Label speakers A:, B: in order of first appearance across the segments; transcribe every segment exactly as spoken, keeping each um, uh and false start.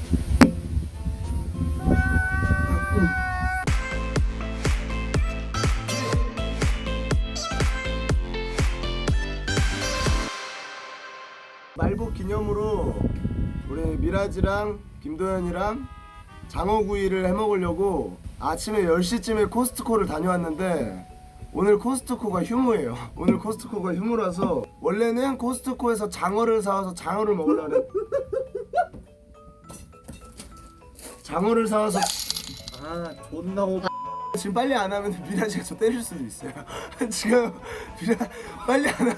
A: 말복 기념으로 우리 미라지랑 김도현이랑 장어구이를 해먹으려고 아침에 열 시쯤에 코스트코를 다녀왔는데 오늘 코스트코가 휴무예요. 오늘 코스트코가 휴무라서 원래는 코스트코에서 장어를 사와서 장어를 먹으려는 장어를 사와서
B: 아 존나 오.
A: 지금 빨리 안 하면 미라지가 저 때릴 수도 있어요. 지금 미라 빨리 안 하면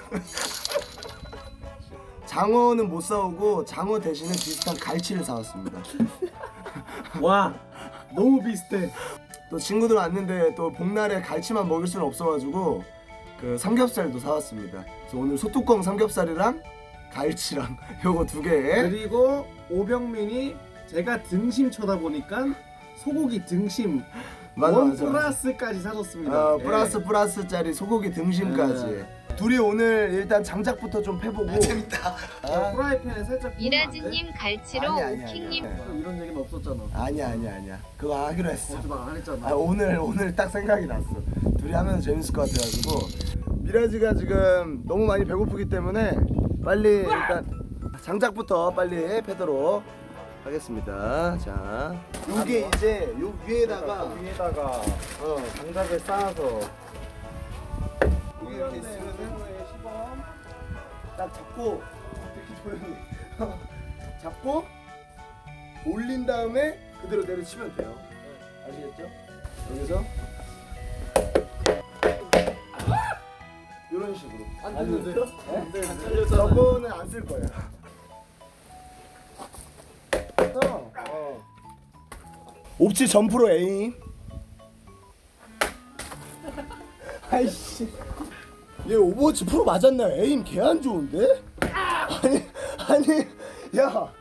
A: 장어는 못 사오고 장어 대신에 비슷한 갈치를 사왔습니다.
B: 와 너무 비슷해.
A: 또 친구들 왔는데 또 복날에 갈치만 먹을 수는 없어가지고 그 삼겹살도 사왔습니다. 그래서 오늘 소뚜껑 삼겹살이랑 갈치랑 요거 두 개.
B: 그리고 오병민이 제가 등심 쳐다보니까 소고기 등심
A: 맞아,
B: 원
A: 맞아.
B: 플러스까지 사줬습니다.
A: 어,
B: 예.
A: 플러스 플러스짜리 소고기 등심까지.
B: 네.
A: 둘이 오늘 일단 장작부터 좀 패보고. 아, 재밌다.
B: 아, 프라이팬에 살짝
C: 미라지님 갈치로
A: 아니, 아니,
C: 오킹님
A: 아니, 아니.
B: 이런 얘기는 없었잖아.
A: 아니야 아니야 아니야. 그거 하기로 했어.
B: 어제 말 안 했잖아.
A: 아, 오늘 오늘 딱 생각이 났어. 둘이 하면 재밌을 것 같아가지고 미라지가 지금 너무 많이 배고프기 때문에 빨리 일단 장작부터 빨리 패도록 하겠습니다. 자, 요게 이제 요 위에다가
B: 위에다가
A: 어
B: 장작을 쌓아서
A: 여기 이렇게 있으면은 딱 잡고 특히 도현이 잡고 올린 다음에 그대로 내려치면 돼요. 아시겠죠? 여기서 이런 식으로.
B: 안
A: 안
B: 되는데요?
A: 네?
B: 네? 안 잘렸잖아요.
A: 저거는 안 쓸 거예요. 그래서 어. 옵치 점프로 에임. 아이씨. 얘 오버워치 프로 맞았나요? 에임 개 안 좋은데? 아니 아니 야.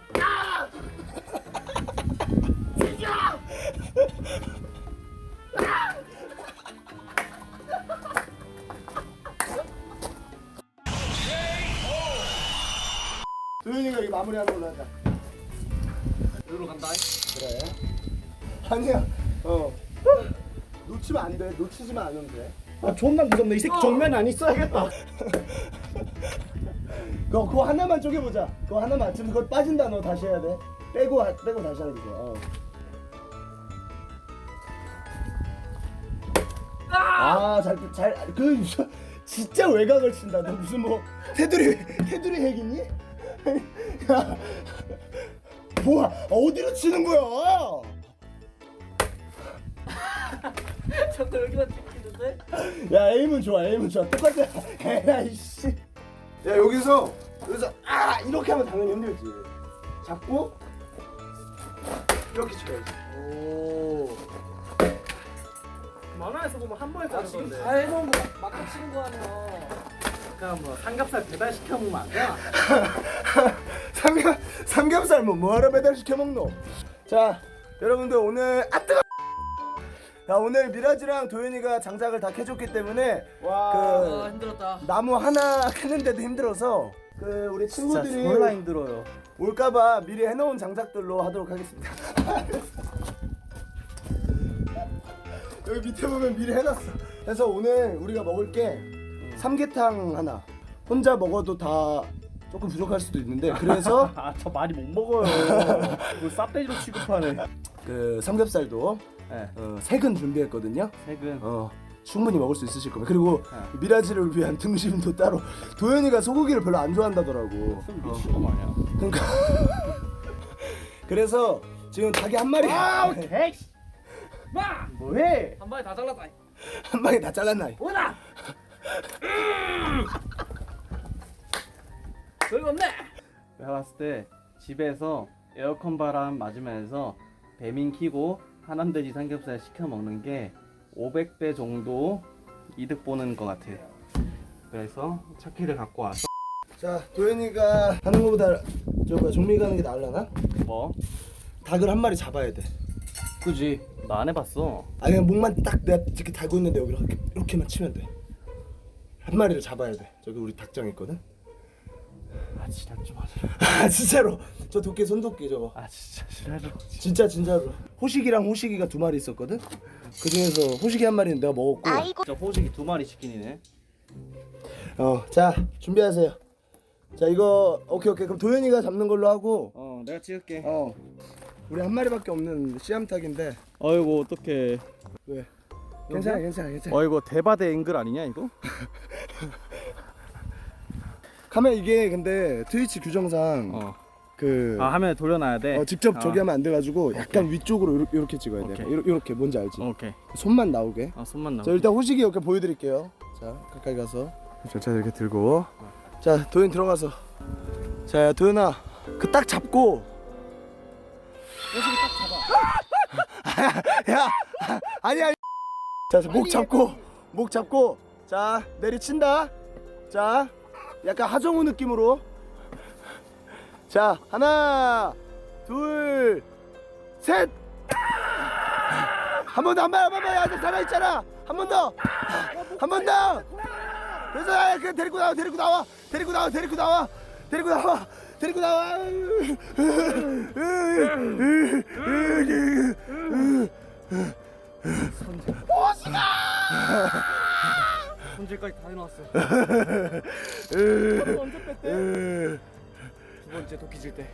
A: 도현이가 이거 마무리하는 걸로 하자.
B: 여기로 간다.
A: 그래. 아니야. 어. 놓치면 안 돼. 놓치지만 않으면 돼.
B: 아 존나 무섭네. 이 새끼 정면 안 있어야겠다.
A: 그거, 그거 하나만 쪼개보자. 그거 하나만. 지금 그거 빠진다. 너 다시 해야 돼. 빼고 하- 빼고 다시 하는 거야. 어. 아, 잘, 잘, 그, 진짜 외곽을 친다. 너 무슨 뭐, 테두리, 테두리 핵이니? 야, 뭐야, 어디로 치는 거야?
B: 자꾸 여기만 찍히는데?
A: 야, 에임은 좋아, 에임은 좋아. 똑같아. 에이씨. 야, 여기서, 여기서, 아! 이렇게 하면 당연히 힘들지. 잡고, 이렇게 쳐야지.
B: 오. 만화에서 보면 한 번에 짜는 건데.
D: 다 해놓은 거 막, 막 치는 거 아니야.
B: 그냥 뭐 삼겹살 배달 시켜 먹으면 안 돼?
A: 삼겹, 삼겹살 뭐 뭐하러 배달시켜 먹노? 자, 여러분들 오늘 아 뜨거! 자, 오늘 미라지랑 도현이가 장작을 다 캐줬기 때문에
B: 와.
D: 아
A: 그
D: 힘들었다.
A: 나무 하나 캐는데도 힘들어서 그 우리 친구들이
B: 졸라 힘들어요.
A: 올까봐 미리 해놓은 장작들로 하도록 하겠습니다. 여기 밑에 보면 미리 해놨어. 그래서 오늘 우리가 먹을 게 삼계탕 하나. 혼자 먹어도 다 조금 부족할 수도 있는데 그래서
B: 아 저 많이 못 먹어요. 이거 쌉돼지로 취급하네.
A: 그 삼겹살도
B: 네.
A: 어, 색은 준비했거든요.
B: 색은.
A: 어, 충분히 먹을 수 있으실 겁니다. 그리고
B: 네.
A: 미라지를 위한 등심도 따로. 도현이가 소고기를 별로 안 좋아한다더라고.
B: 미친놈 아니야.
A: 그러니까 그래서 지금 닭이 한 마리
B: 아 오케이. 마 뭐해?
D: 한 방에 다 잘랐다.
A: 한 방에 다 잘랐나?
D: 오나. 별거 없네.
E: 내가 봤을 때 집에서 에어컨 바람 맞으면서 배민 키고 하남돼지 삼겹살 시켜 먹는 게 오백 배 정도 이득 보는 것 같아. 그래서 첫 키를 갖고 와서
A: 자, 도현이가 하는 것보다 저 뭐야 종미가 하는 게 나을라나?
E: 뭐?
A: 닭을 한 마리 잡아야 돼.
E: 그지? 나 안 해봤어.
A: 아니 그냥 목만 딱 내가 이렇게 달고 있는데 여기로 이렇게, 이렇게만 치면 돼. 한 마리를 잡아야 돼. 저기 우리 닭장 있거든.
E: 아, 진짜 좀 하자.
A: 아 진짜로 저 도끼 손도끼 저거.
E: 아 진짜 싫어요.
A: 진짜 진짜로. 호식이랑 호식이가 두 마리 있었거든. 그 중에서 호식이 한 마리는 내가 먹었고.
E: 저 호식이 두 마리 치킨이네.
A: 어, 자 준비하세요. 자 이거 오케이 오케이 그럼 도현이가 잡는 걸로 하고.
E: 어 내가 찍을게.
A: 어. 우리 한 마리밖에 없는 씨암탉인데.
E: 어이구 어떡해.
A: 왜? 괜찮아 괜찮아 괜찮아.
E: 어이구 대바대 앵글 아니냐 이거?
A: 카메라 이게 근데 트위치 규정상
E: 어.
A: 그
E: 아 화면에 돌려놔야 돼.
A: 어, 직접
E: 아.
A: 저기 하면 안 돼가지고 약간 위쪽으로 요렇게, 요렇게 찍어야 돼.
E: 오케이.
A: 이렇게, 이렇게 뭔지 알지?
E: 오케이.
A: 손만 나오게.
E: 아 손만 나와.
A: 자 일단 호식이 이렇게 보여드릴게요. 자 가까이 가서 자 이렇게 들고 자 도현 들어가서 자 도현아 그 딱 잡고 호식이 딱 잡아. 야 아니야. 자목 잡고 목 잡고 자 내리친다. 자 약간 하정우 느낌으로 자 하나 둘 셋 한 번 더 한 번 한 번 더 야 살아있잖아 한 번 더 한 번 더 그래서 야, 그 데리고 나와 데리고 나와 데리고 나와 데리고 나와 데리고 나와 데리고 나와
E: 손질까지 다 해놨어.
A: 언제 뺐대?
E: 두 번째 도끼질 때.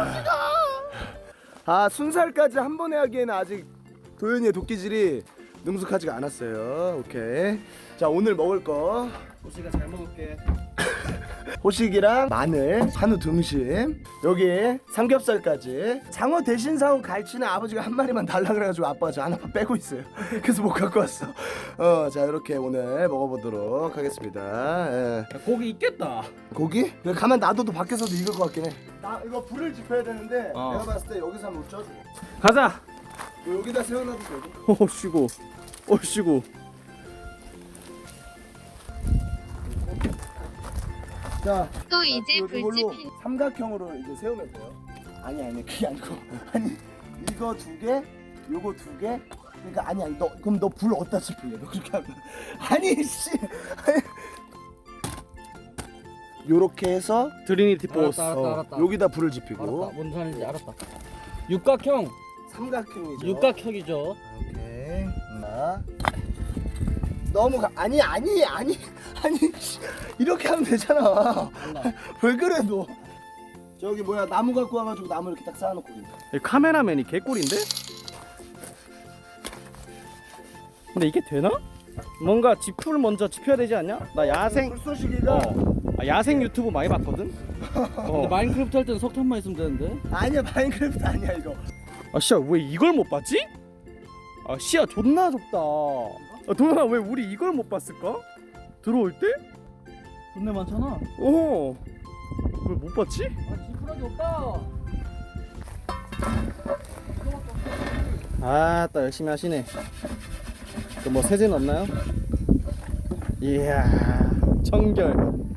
A: 아 순살까지 한 번에 하기에는 아직 도현이의 도끼질이 능숙하지가 않았어요. 오케이. 자 오늘 먹을 거
E: 호식아 잘 먹을게.
A: 호식이랑 마늘, 한우 등심, 여기 삼겹살까지. 장어 대신 사온 갈치는 아버지가 한 마리만 달라 그래가지고 아빠가 저 하나만 빼고 있어요. 그래서 못 갖고 왔어. 어, 자 이렇게 오늘 먹어보도록 하겠습니다. 예.
E: 야, 고기 있겠다.
A: 고기? 그냥 가만 놔둬도 밖에서도 익을 것 같긴 해. 나 이거 불을 지펴야 되는데
E: 어.
A: 내가 봤을 때 여기서 한번 쪄줘.
E: 가자.
A: 뭐 여기다 세워놔도 되고.
E: 오 쉬고. 오 쉬고.
A: 자,
C: 또 이제
A: 요- 이걸로
C: 불집힌
A: 삼각형으로 이제 세우면 돼요. 아니 아니 그게 아니고 아니 이거 두 개, 요거 두 개. 그러니까 아니 아니 너 그럼 너 불 어디다 지필래? 너 그렇게 하면 아니 씨. 요렇게 해서
E: 트리니티 포스.
D: 알았다,
A: 어,
D: 알았다.
A: 여기다 불을 지피고
D: 알았다. 뭔 소리인지 알았다. 육각형.
A: 삼각형이죠.
D: 육각형이죠.
A: 오케이. 자. 너무 가, 아니 아니 아니 아니 씨, 이렇게 하면 되잖아. 왜 그래 너? 저기 뭐야 나무 갖고 와가지고 나무 이렇게 딱 쌓아놓고 있네.
E: 카메라맨이 개꿀인데? 근데 이게 되나? 뭔가 지프를 먼저 지펴야 되지 않냐? 나 야생
A: 불쏘시개가
E: 어. 아, 야생 유튜브 많이 봤거든?
D: 근데
E: 어.
D: 마인크래프트 할 때는 석탄만 있으면 되는데.
A: 아니야 마인크래프트 아니야 이거.
E: 아 씨야 왜 이걸 못 봤지? 아 씨야 존나 좁다. 아, 도현아 왜 우리 이걸 못 봤을까? 들어올 때?
D: 존내 많잖아.
E: 어. 왜 못 봤지?
D: 아 지푸라기 없다.
E: 아따 열심히 하시네. 또 뭐 세제는 없나요? 이야 청결.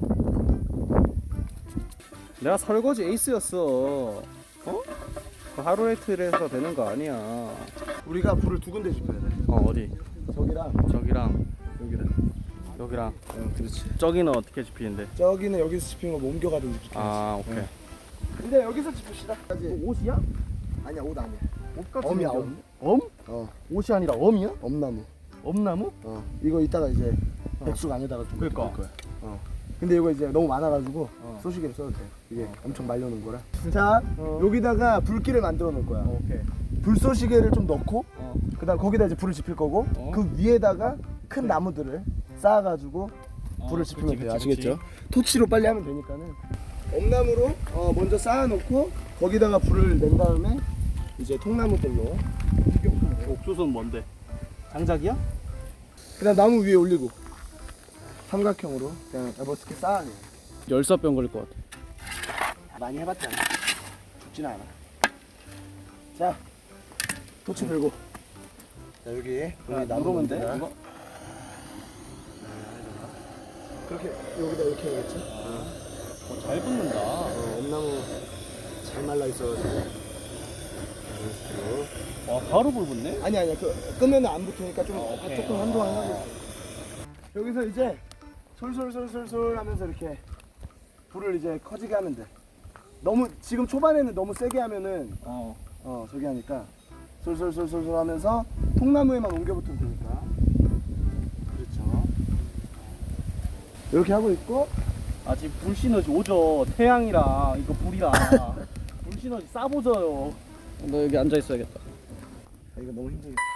E: 내가 설거지 에이스였어. 어? 그 하루 이틀에서 되는 거 아니야.
A: 우리가 불을 두 군데 지펴야 돼.
E: 어 어디?
A: 저기랑
E: 저기랑
A: 여기랑.
E: 여기랑.
A: 어 그렇지.
E: 저기는 어떻게 집히는데?
A: 저기는 여기서 지피는 거 뭐 옮겨가든지 지피지.
E: 아 오케이.
A: 근데 여기서 지핍시다.
E: 옷이야?
A: 아니야 옷 아니야.
E: 옷 같은
A: 엄이야
E: 게
A: 엄.
E: 엄?
A: 어
E: 옷이 아니라 엄이야?
A: 엄나무.
E: 엄나무?
A: 어 이거 이따가 이제 백숙 안에다가 좀
E: 그러니까.
A: 넣을 거야. 어. 근데 이거 이제 너무 많아가지고
E: 어.
A: 소시계를 써도 돼. 이게 엄청 말려놓은 거라. 자
E: 어.
A: 여기다가 불길을 만들어 놓을 거야.
E: 오케이.
A: 불쏘시개를 좀 넣고
E: 어.
A: 그다음 거기다 이제 불을 지필 거고
E: 어.
A: 그 위에다가 큰 나무들을 쌓아가지고 불을
E: 어,
A: 지피면
E: 그치,
A: 돼요.
E: 그치,
A: 아시겠죠? 토치로 빨리 하면 되니까는 엄나무로 어, 먼저 쌓아놓고 거기다가 불을 낸 다음에 이제 통나무들로
E: 옥수수는 뭔데? 장작이야?
A: 그다음 나무 위에 올리고 삼각형으로 그냥 에버스키 쌓아내.
E: 열사병 걸릴 것 같아.
A: 많이 해봤잖아. 죽지는 않아. 자, 토치 들고. 자 여기 여기 나무
E: 누르면 돼?
A: 있습니다.
E: 이거?
A: 그렇게 여기다 이렇게 해야겠지?
E: 어, 잘 붙는다.
A: 어, 엄나무 잘 말라 있어가지고.
E: 와 바로 불 붙네?
A: 아니 아니야 그 끄면 안 붙으니까 좀
E: 어, 오케이.
A: 조금 한동안 하고 있어. 여기서 이제 솔솔솔솔솔 하면서 이렇게 불을 이제 커지게 하면 돼. 너무 지금 초반에는 너무 세게 하면은
D: 어.
A: 어 저기 하니까 솔솔솔솔솔 하면서 통나무에만 옮겨붙으면 되니까. 그렇죠. 이렇게 하고 있고.
B: 아직 불 시너지 오죠. 태양이랑 이거 불이랑 불 시너지 싸보져요.
D: 너 여기 앉아 있어야겠다.
A: 아, 이거 너무 힘들겠다.